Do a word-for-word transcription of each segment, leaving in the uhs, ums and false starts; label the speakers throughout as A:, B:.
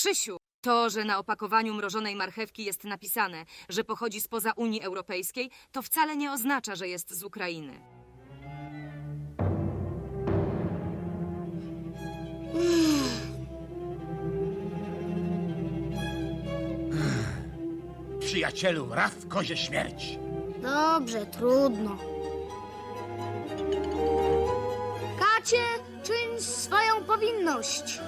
A: Krzysiu, to, że na opakowaniu mrożonej marchewki jest napisane, że pochodzi spoza Unii Europejskiej, to wcale nie oznacza, że jest z Ukrainy.
B: Przyjacielu, raz w kozie śmierć.
C: Dobrze, trudno. Kacie, czyń swoją powinność.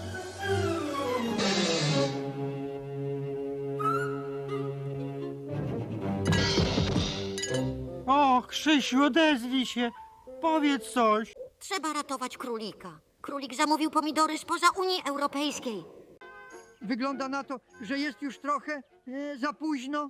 D: O, Krzysiu, odezwij się. Powiedz coś.
E: Trzeba ratować królika. Królik zamówił pomidory spoza Unii Europejskiej.
F: Wygląda na to, że jest już trochę e, za późno.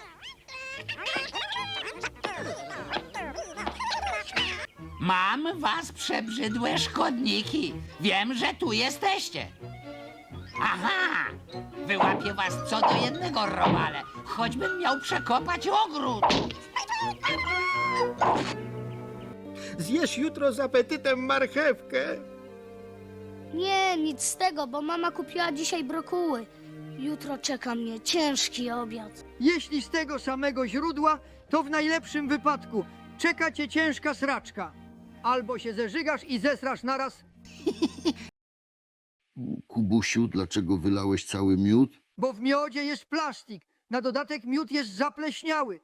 G: Mam was, przebrzydłe szkodniki. Wiem, że tu jesteście. Aha! Wyłapię was co do jednego, robale. Choćbym miał przekopać ogród.
B: Zjesz jutro z apetytem marchewkę.
C: Nie, nic z tego, bo mama kupiła dzisiaj brokuły. Jutro czeka mnie ciężki obiad.
F: Jeśli z tego samego źródła, to w najlepszym wypadku czeka cię ciężka sraczka. Albo się zeżygasz i zesrasz naraz,
H: Kubusiu, dlaczego wylałeś cały miód?
F: bo w miodzie jest plastik. Na dodatek miód jest zapleśniały.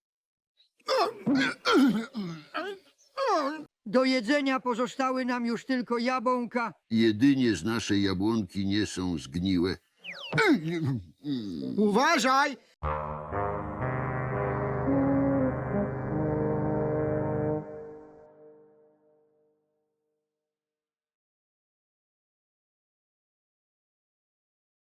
F: Do jedzenia pozostały nam już tylko jabłonka.
H: Jedynie z naszej jabłonki nie są zgniłe.
B: Uważaj!